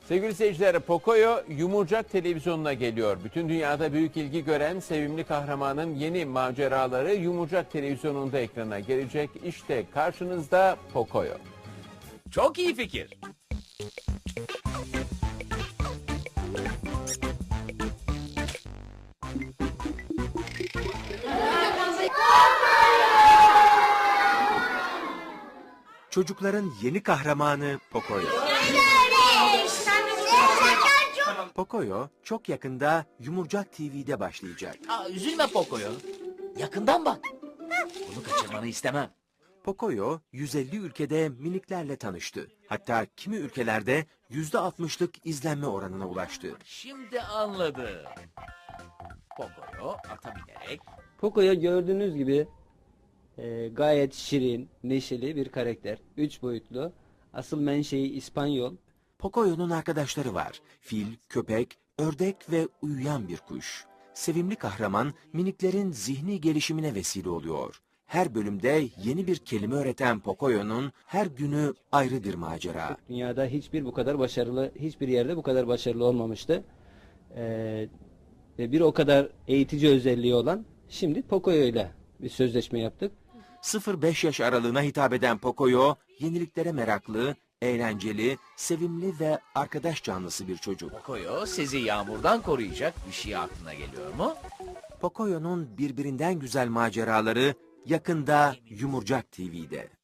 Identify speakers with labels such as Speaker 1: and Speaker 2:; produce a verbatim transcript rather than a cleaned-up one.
Speaker 1: Sevgili seyirciler, Pocoyo Yumurcak televizyonuna geliyor. Bütün dünyada büyük ilgi gören sevimli kahramanın yeni maceraları Yumurcak televizyonunda ekrana gelecek. İşte karşınızda Pocoyo.
Speaker 2: Çok iyi fikir.
Speaker 3: Çocukların yeni kahramanı Pocoyo. Pocoyo çok yakında Yumurcak T V'de başlayacak.
Speaker 2: Aa, üzülme Pocoyo. Yakından bak. Bunu kaçırmanı istemem.
Speaker 3: Pocoyo yüz elli ülkede miniklerle tanıştı. Hatta kimi ülkelerde yüzde altmışlık izlenme oranına ulaştı.
Speaker 2: Şimdi anladım. Pocoyo ata binerek
Speaker 4: Pocoyo gördüğünüz gibi e, gayet şirin, neşeli bir karakter. Üç boyutlu. Asıl menşei İspanyol.
Speaker 3: Pocoyo'nun arkadaşları var. Fil, köpek, ördek ve uyuyan bir kuş. Sevimli kahraman miniklerin zihni gelişimine vesile oluyor. Her bölümde yeni bir kelime öğreten Pocoyo'nun her günü ayrı bir macera.
Speaker 4: Dünyada hiçbir bu kadar başarılı, hiçbir yerde bu kadar başarılı olmamıştı. E, ve bir o kadar eğitici özelliği olan şimdi Pocoyo ile bir sözleşme yaptık.
Speaker 3: sıfır beş yaş aralığına hitap eden Pocoyo, yeniliklere meraklı, eğlenceli, sevimli ve arkadaş canlısı bir çocuk.
Speaker 2: Pocoyo sizi yağmurdan koruyacak bir şey aklına geliyor mu?
Speaker 3: Pocoyo'nun birbirinden güzel maceraları yakında Yumurcak T V'de.